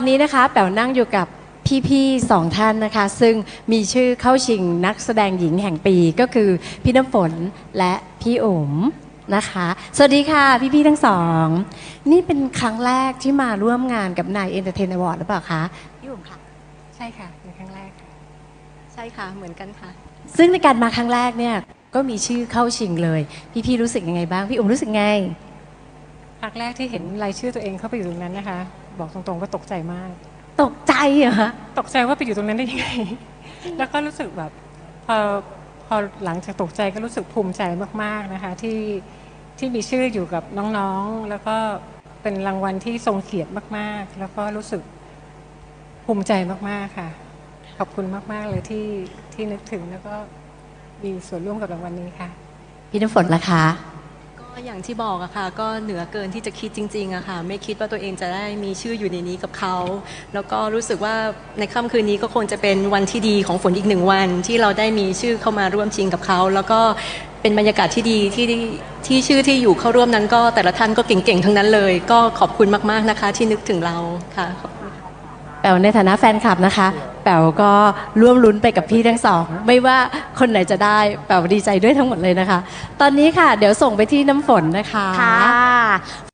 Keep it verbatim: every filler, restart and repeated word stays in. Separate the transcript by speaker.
Speaker 1: วันนี้นะคะแป๋วนั่งอยู่กับพี่ๆสองท่านนะคะซึ่งมีชื่อเข้าชิงนักแสดงหญิงแห่งปีก็คือพี่น้ำฝนและพี่อุ๋มนะคะสวัสดีค่ะพี่ๆทั้งสองนี่เป็นครั้งแรกที่มาร่วมงานกับนายเอนเตอร์เทนอวอร์ดหรือเปล่าคะพี่อุ๋มค่ะ
Speaker 2: ใช่ค่ะเป็นครั้งแรกค่ะ
Speaker 3: ใช่ค่ะเหมือนกันค่ะ
Speaker 1: ซึ่งในการมาครั้งแรกเนี่ยก็มีชื่อเข้าชิงเลย พี่ๆรู้สึกยังไงบ้างพี่อุ๋มรู้สึกไง
Speaker 2: ครั้งแรกที่เห็นรายชื่อตัวเองเข้าไปอยู่ตรงนั้นนะคะ บอกตรงๆว่าตกใจมาก
Speaker 1: ตกใจเหรอคะ
Speaker 2: ตกใจว่าไปอยู่ตรงนั้นได้ยังไง แล้วก็รู้สึกแบบพอพอหลังจากตกใจก็รู้สึกภูมิใจมากๆนะคะที่ที่มีชื่ออยู่กับน้องๆ แล้วก็เป็นรางวัลที่ทรงเกียรติมากๆ แล้วก็รู้สึกภูมิใจมากๆค่ะ ขอบคุณมากๆเลยที่ที่นึกถึงแล้วก็มีส่วนร่วมกับรางวัลนี้ค่ะ
Speaker 1: พี่น้ำฝนล่ะคะ
Speaker 3: ก็อย่างที่บอกอะค่ะก็เหนือเกินที่จะคิดจริงๆอะค่ะไม่คิดว่าตัวเองจะได้มีชื่ออยู่ในนี้กับเขาแล้วก็รู้สึกว่าในค่ำคืนนี้ก็คงจะเป็นวันที่ดีของฝนอีกหนึ่งวัน ที่เราได้มีชื่อเข้ามาร่วมชิงกับเขาแล้วก็เป็นบรรยากาศที่ดีที่ที่ชื่อที่อยู่เข้าร่วมนั้นก็แต่ละท่านก็เก่งๆทั้งนั้นเลย ก็ขอบคุณมากๆนะคะที่นึกถึงเราค่ะ
Speaker 1: แป๋วในฐานะแฟนคลับนะคะแป๋วก็ร่วมลุ้นไปกับพี่ทั้งสองไม่ว่าคนไหนจะได้แป๋วดีใจด้วยทั้งหมดเลยนะคะ ตอนนี้ค่ะเดี๋ยวส่งไปที่น้ำฝนนะคะ
Speaker 4: ค่ะ